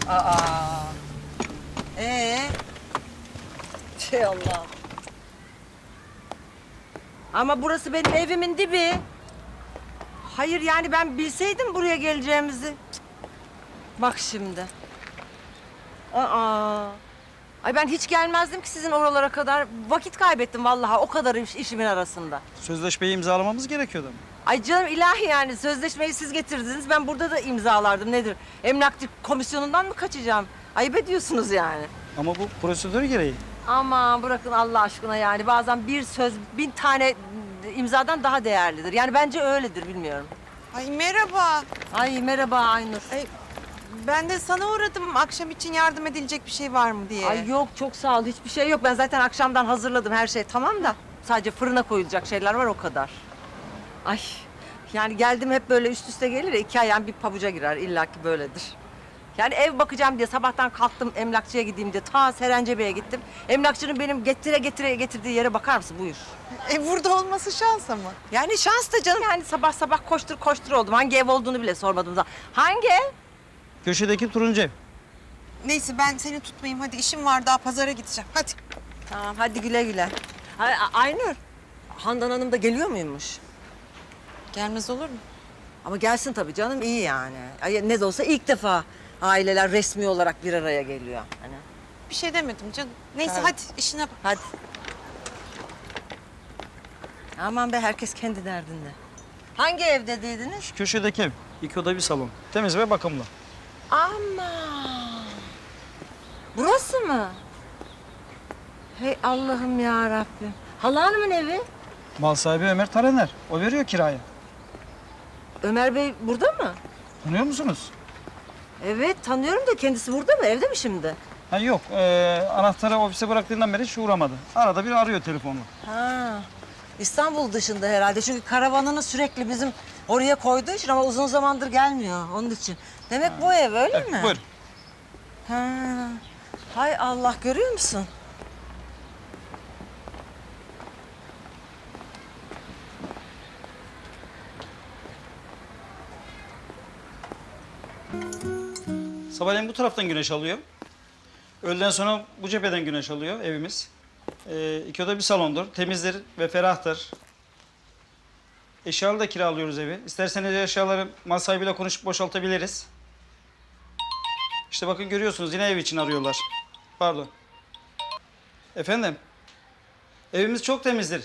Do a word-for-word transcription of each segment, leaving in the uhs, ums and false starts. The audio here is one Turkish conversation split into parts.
Aa. Ee? Şey Allah. Ama burası benim evimin dibi. Hayır yani ben bilseydim buraya geleceğimizi. Cık. Bak şimdi. Aa. Ay ben hiç gelmezdim ki sizin oralara kadar. Vakit kaybettim vallahi o kadar iş, işimin arasında. Sözleşmeyi imzalamamız gerekiyordu. Ay canım ilahi yani sözleşmeyi siz getirdiniz. Ben burada da imzalardım nedir? Emlakçı komisyonundan mı kaçacağım? Ayıp ediyorsunuz yani. Ama bu prosedür gereği. Aman bırakın Allah aşkına yani bazen bir söz bin tane imzadan daha değerlidir. Yani bence öyledir bilmiyorum. Ay merhaba. Ay merhaba Aynur. Ay, ben de sana uğradım akşam için yardım edilecek bir şey var mı diye. Ay yok çok sağ ol hiçbir şey yok. Ben zaten akşamdan hazırladım her şey tamam da. Sadece fırına koyulacak şeyler var o kadar. Ay yani geldim hep böyle üst üste gelir ya iki ayağım bir pabuca girer illaki böyledir. Yani ev bakacağım diye sabahtan kalktım emlakçıya gideyim diye ta Serencebe'ye gittim. Emlakçının benim getire getire getirdiği yere bakar mısın buyur. E burada olması şans ama. Yani şans da canım yani sabah sabah koştur koştur oldum. Hangi ev olduğunu bile sormadım da. Hangi ev? Köşedeki turuncu ev. Neyse ben seni tutmayayım hadi işim var daha pazara gideceğim hadi. Tamam hadi güle güle. Ay, A- Aynur, Handan Hanım da geliyor muymuş? Gelmez olur mu? Ama gelsin tabii canım iyi yani. Ay, ne de olsa ilk defa aileler resmi olarak bir araya geliyor. Hani. Bir şey demedim canım. Neyse Tamam. hadi işine bak. Hadi. Aman be herkes kendi derdinde. Hangi ev dediydiniz? Şu köşedeki ev. İki oda bir salon. Temiz ve bakımlı. Ama burası mı? Hey Allah'ım ya Rabbim. Hala Hanım'ın evi. Mal sahibi Ömer Taraner. O veriyor kirayı. Ömer Bey burada mı? Tanıyor musunuz? Evet tanıyorum da kendisi burada mı? Evde mi şimdi? Ha yok. Ee, anahtarı ofise bıraktığından beri hiç uğramadı. Arada bir arıyor telefonla. Ha. İstanbul dışında herhalde. Çünkü karavanını sürekli bizim oraya koyduğu için ama uzun zamandır gelmiyor onun için. Demek bu ev öyle Evet, mi? buyur. Ha. Hay Allah görüyor musun? Sabahleyin bu taraftan güneş alıyor. Öğleden sonra bu cepheden güneş alıyor evimiz. Ee, iki oda bir salondur. Temizdir ve ferahtır. Eşyalı da kiralıyoruz evi. İsterseniz eşyaları mal sahibiyle konuşup boşaltabiliriz. İşte bakın görüyorsunuz yine ev için arıyorlar. Pardon. Efendim? Evimiz çok temizdir.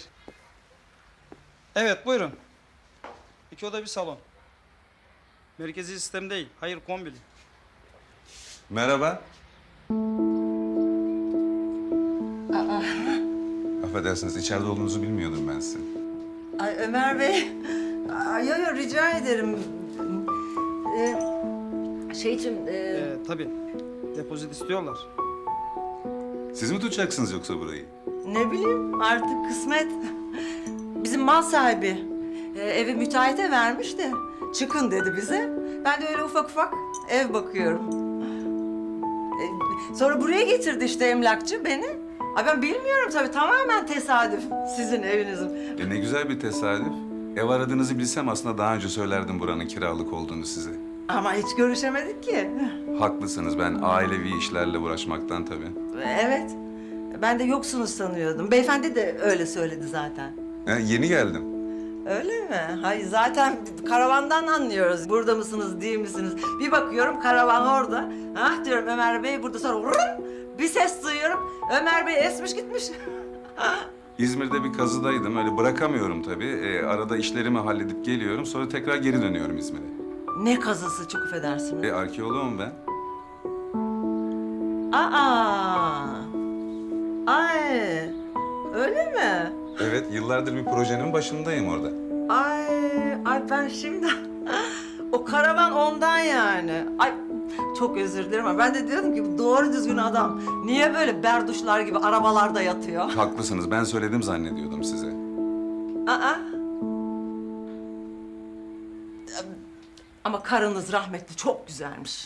Evet buyurun. İki oda bir salon. Merkezi sistem değil. Hayır kombili. Merhaba. Affedersiniz, içeride olduğunuzu bilmiyordum ben sizin. Ay Ömer Bey. Ay, yo, yo, rica ederim. Ee, şey için... E... Ee, tabii. Depozit istiyorlar. Siz mi tutacaksınız yoksa burayı? Ne bileyim artık kısmet. Bizim mal sahibi e, evi müteahhite vermiş de çıkın dedi bize. Ben de öyle ufak ufak ev bakıyorum. E, sonra buraya getirdi işte emlakçı beni. Ay ben bilmiyorum tabii tamamen tesadüf sizin evinizin. E ne güzel bir tesadüf. Ev aradığınızı bilsem aslında daha önce söylerdim buranın kiralık olduğunu size. Ama hiç görüşemedik ki. Haklısınız, ben ailevi işlerle uğraşmaktan tabii. Evet. Ben de yoksunuz sanıyordum. Beyefendi de öyle söyledi zaten. E, yeni geldim. Öyle mi? Hayır zaten karavandan anlıyoruz. Burada mısınız, değil misiniz? Bir bakıyorum karavan orada. Ah diyorum Ömer Bey burada sonra vurun, bir ses duyuyorum. Ömer Bey esmiş gitmiş. İzmir'de bir kazıdaydım, öyle bırakamıyorum tabii. E, arada işlerimi halledip geliyorum, sonra tekrar geri dönüyorum İzmir'e. Ne kazısı çok affedersiniz. E, arkeoloğum ben. Aa! Ay! Öyle mi? Evet, yıllardır bir projenin başındayım orada. Ay! Ay ben şimdi... o karavan ondan yani. Ay çok özür dilerim ama ben de diyordum ki bu doğru düzgün adam niye böyle berduşlar gibi arabalarda yatıyor? Haklısınız, ben söyledim zannediyordum size. Aa! Ama karınız rahmetli çok güzelmiş.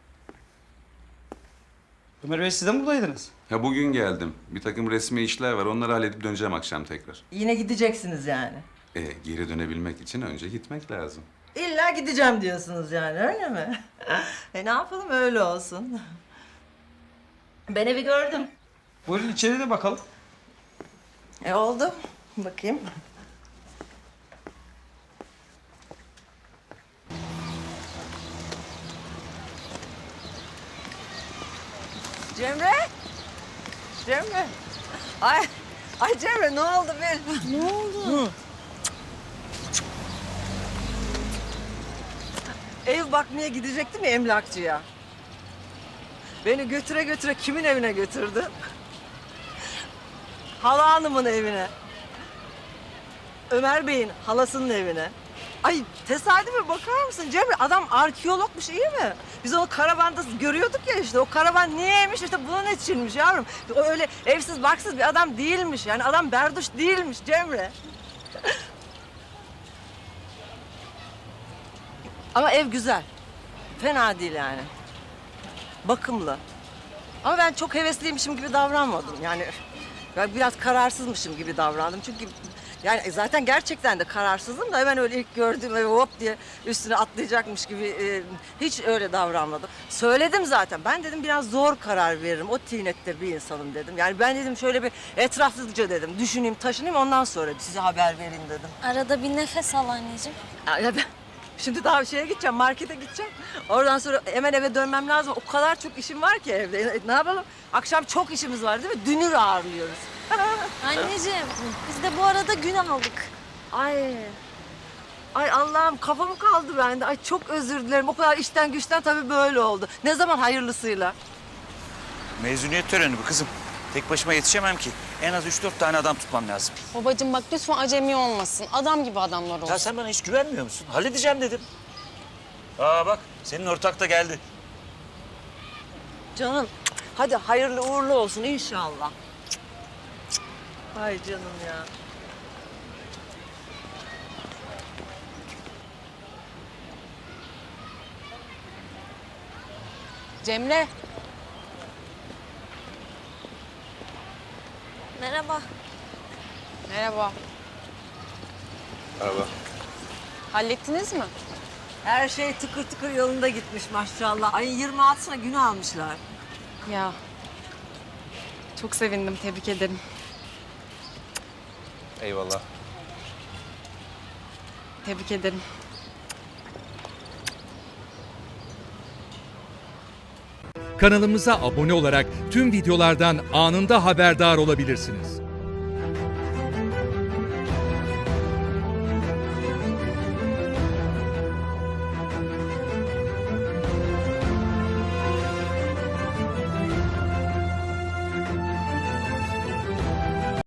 Ömer Bey siz de mi buradaydınız? Ya bugün geldim. Bir takım resmi işler var. Onları halledip döneceğim akşam tekrar. Yine gideceksiniz yani. E, geri dönebilmek için önce gitmek lazım. İlla gideceğim diyorsunuz yani öyle mi? E ne yapalım öyle olsun. Ben evi gördüm. Buyurun içeri de bakalım. E oldu. Bakayım. Cemre. Cemre. Ay, ay Cemre ne oldu bir? Ne oldu? Ev bakmaya gidecektim ya emlakçıya. Beni götüre götüre kimin evine götürdü? Hala hanımın evine. Ömer Bey'in halasının evine. Ay tesadüfe bakar mısın Cemre? Adam arkeologmuş iyi mi? Biz onu karavanda görüyorduk ya işte. O karavan niyeymiş işte bunun içinmiş yavrum. O öyle evsiz barksız bir adam değilmiş. Yani adam berduş değilmiş Cemre. Ama ev güzel. Fena değil yani. Bakımlı. Ama ben çok hevesliymişim gibi davranmadım. Yani ben biraz kararsızmışım gibi davrandım. Çünkü yani zaten gerçekten de kararsızdım da hemen öyle ilk gördüğüm evi hop diye üstüne atlayacakmış gibi e, hiç öyle davranmadım. Söyledim zaten. Ben dedim biraz zor karar veririm. O tinette bir insanım dedim. Yani ben dedim şöyle bir etraflıca dedim. Düşüneyim, taşınayım ondan sonra size haber vereyim dedim. Arada bir nefes al anneciğim. Ya, ya ben şimdi daha bir şeye gideceğim, markete gideceğim. Oradan sonra hemen eve dönmem lazım. O kadar çok işim var ki evde. E, ne yapalım? Akşam çok işimiz var değil mi? Dünür ağırlıyoruz. Anneciğim biz de bu arada gün aldık. Ay. Ay Allah'ım kafam kaldı bende. Ay çok özür dilerim. O kadar işten güçten tabii böyle oldu. Ne zaman hayırlısıyla? Mezuniyet töreni bu kızım. Tek başıma yetişemem ki. En az üç dört tane adam tutmam lazım. Babacığım bak lütfen acemi olmasın. Adam gibi adamlar olsun. Ya sen bana hiç güvenmiyor musun? Halledeceğim dedim. Aa bak senin ortak da geldi. Canım hadi hayırlı uğurlu olsun inşallah. Ay canım ya. Cemre. Merhaba. Merhaba. Merhaba. Hallettiniz mi? Her şey tıkır tıkır yolunda gitmiş maşallah. Ayın yirmi altısına gün almışlar. Ya. Çok sevindim. Tebrik ederim. Eyvallah. Tebrik ederim. Kanalımıza abone olarak tüm videolardan anında haberdar olabilirsiniz.